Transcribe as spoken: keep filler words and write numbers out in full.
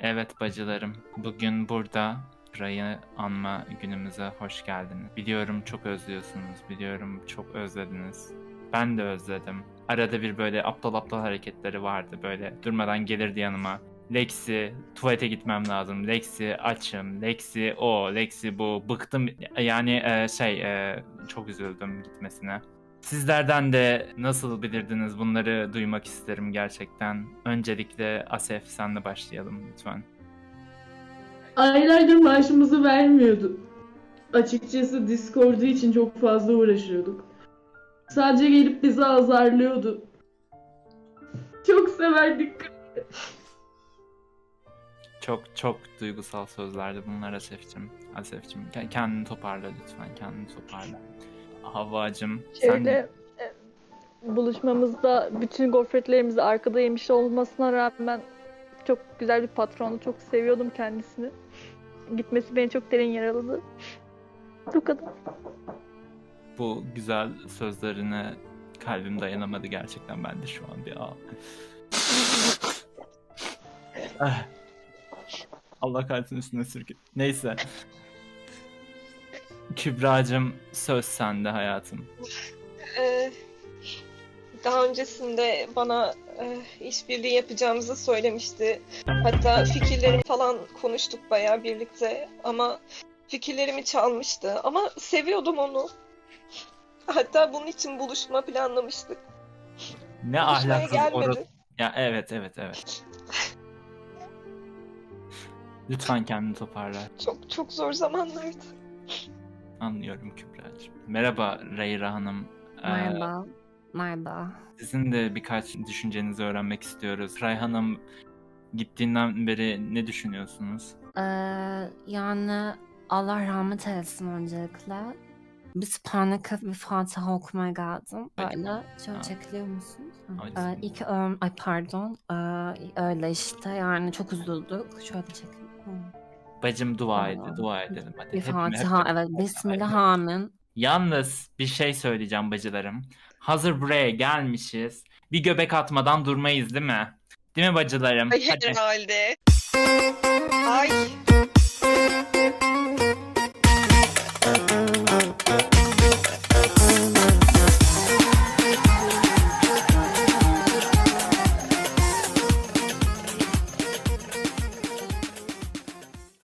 Evet bacılarım, bugün burada Ray'ı anma günümüze hoş geldiniz. Biliyorum çok özlüyorsunuz, biliyorum çok özlediniz. Ben de özledim. Arada bir böyle aptal aptal hareketleri vardı, böyle durmadan gelirdi yanıma. Lexi, tuvalete gitmem lazım. Lexi, açım. Lexi, o. Lexi, bu. Bıktım. Yani e, şey, e, çok üzüldüm gitmesine. Sizlerden de nasıl bilirdiniz bunları duymak isterim gerçekten. Öncelikle Asef senle başlayalım lütfen. Aylardır maaşımızı vermiyordu. Açıkçası Discord'u için çok fazla uğraşıyorduk. Sadece gelip bizi azarlıyordu. Çok severdik. Çok çok duygusal sözlerdi bunlar Asef'cim. Asef'cim ke- kendini toparla lütfen, kendini toparla. Havvacım sen Şöyle e, buluşmamızda bütün gofretlerimizi arkada yemiş olmasına rağmen çok güzel bir patrondu. Çok seviyordum kendisini. Gitmesi beni çok derin yaraladı. Bu kadar. bu güzel sözlerine kalbim dayanamadı gerçekten, ben de şu an bir ağ. Ah, Allah kalbinin üstüne sürgün. Neyse. Kübra'cığım söz sende hayatım. Ee, daha öncesinde bana e, işbirliği yapacağımızı söylemişti. Hatta fikirlerimi falan konuştuk bayağı birlikte ama fikirlerimi çalmıştı. Ama seviyordum onu. Hatta bunun için buluşma planlamıştık. Ne Buluşmaya ahlaksız gelmedi. orası. Ya evet evet evet. Lütfen kendini toparla. Çok çok zor zamanlardı. Anlıyorum Kübra'cığım. Merhaba Reyra Hanım. Ee, Merhaba. Merhaba. Sizin de birkaç düşüncenizi öğrenmek istiyoruz. Rayhan'ım gittiğinden beri ne düşünüyorsunuz? Ee, yani Allah rahmet eylesin öncelikle. Bir sübhaneke bir Fatiha okumaya geldim. Böyle şöyle Ha. çekiliyor musun? Ay, Ha. Ee, ilk ö- ay pardon. Ee, öyle işte yani çok üzüldük. Şöyle çekeyim. Hı. Bacım dua et, Aa. dua edelim. Hadi. Bir Hepimiz- Fatiha hep- evet. Bismillah amin. Yalnız bir şey söyleyeceğim bacılarım. Hazır buraya gelmişiz. Bir göbek atmadan durmayız değil mi? Değil mi bacılarım? Ay Hadi. herhalde. Ay